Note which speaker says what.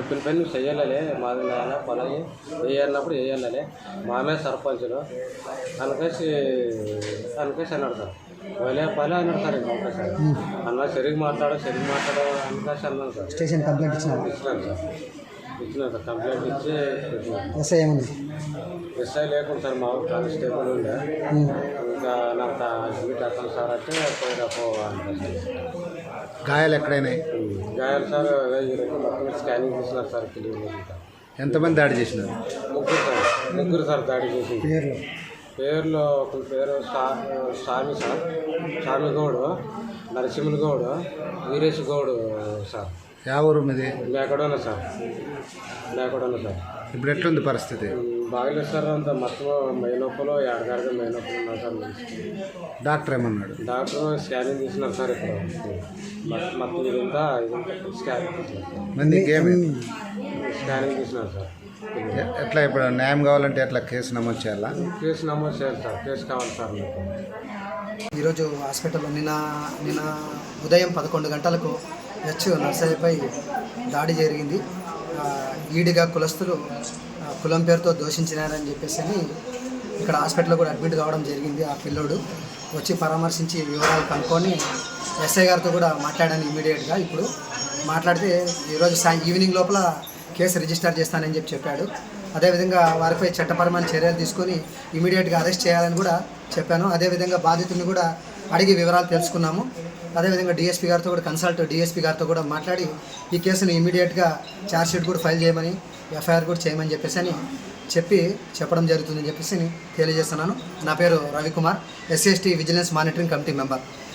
Speaker 1: చెప్పిన పని నువ్వు చెయ్యాలలే మాది నాయన పొలం వేయాలన్నప్పుడు వేయాలలే మామే సర్పంచులు అనకేసి అన్నాడు సార్ పోలే పలే అన్నాడు సార్ ఇంకా ఒకసారి అన్న సరిగ్గా మాట్లాడు అనకేసి అన్నాను సార్.
Speaker 2: స్టేషన్ కంప్లైంట్ ఇచ్చినాను
Speaker 1: సార్ కంప్లైంట్ ఇచ్చి
Speaker 2: ఎస్ఐ ఏమన్నా
Speaker 1: ఎస్ఐ లేకుండా సార్ మా ఊరు కానిస్టేబుల్ ఉండే ఇంకా నాకు డ్యూటీ అర్థం సార్ అంటే పోయినపో అంటే
Speaker 3: గాయాలు ఎక్కడైనాయి?
Speaker 1: గాయాలు సార్ మొత్తం స్కానింగ్ చేసినారు సార్ క్లియర్.
Speaker 3: ఎంతమంది దాడి చేసినారు?
Speaker 1: ముగ్గురు సార్ దాడి చేసింది.
Speaker 2: పేర్లు
Speaker 1: పేర్లు ఒకరి పేరు స్వామి సార్, స్వామి గౌడు, నరసింహులు గౌడు, వీరేష్ గౌడు సార్.
Speaker 3: యా ఊరు మీది?
Speaker 1: లేకడున్నా సార్.
Speaker 3: ఇప్పుడు ఎట్లుంది పరిస్థితి?
Speaker 1: బాగలేదు సార్. అంత మొత్తం మైనొప్పులు ఏడగాడిగా మైనొప్పులు ఉన్నారు సార్.
Speaker 3: డాక్టర్ ఏమన్నాడు?
Speaker 1: డాక్టర్ స్కానింగ్ తీసినారు సార్. ఇప్పుడు మొత్తం ఇదంతా స్కానింగ్ తీసినారు సార్.
Speaker 3: ఎట్లా ఇప్పుడు న్యాయం కావాలంటే ఎట్లా కేసు నమోదు చేయాలా?
Speaker 1: కేసు నమోదు చేయాలి సార్. కేసు కావాలి సార్ మీకు.
Speaker 2: ఈరోజు హాస్పిటల్లో నిన్న ఉదయం 11 గంటలకు నర్సయ్యపై దాడి జరిగింది. ఈడిగా కులస్తులు కులం పేరుతో దూషించినారని చెప్పేసి ఇక్కడ హాస్పిటల్లో కూడా అడ్మిట్ కావడం జరిగింది. ఆ పిల్లోడు వచ్చి పరామర్శించి వివరాలు కనుక్కొని ఎస్ఐ గారితో కూడా మాట్లాడాను ఇమీడియట్గా. ఇప్పుడు మాట్లాడితే ఈరోజు ఈవినింగ్ లోపల కేసు రిజిస్టర్ చేస్తానని చెప్పాడు. అదేవిధంగా వారిపై చట్టపరమైన చర్యలు తీసుకొని ఇమీడియట్గా అరెస్ట్ చేయాలని కూడా చెప్పాను. అదేవిధంగా బాధితుడిని కూడా అడిగి వివరాలు తెలుసుకున్నాము. అదేవిధంగా డిఎస్పీ గారితో కూడా డిఎస్పీ గారితో కూడా మాట్లాడి ఈ కేసును ఇమీడియట్గా ఛార్జ్షీట్ కూడా ఫైల్ చేయమని, ఎఫ్ఐఆర్ కూడా చేయమని చెప్పడం జరుగుతుందని తెలియజేస్తున్నాను. నా పేరు Ravikumar, SC/ST vigilance monitoring committee member.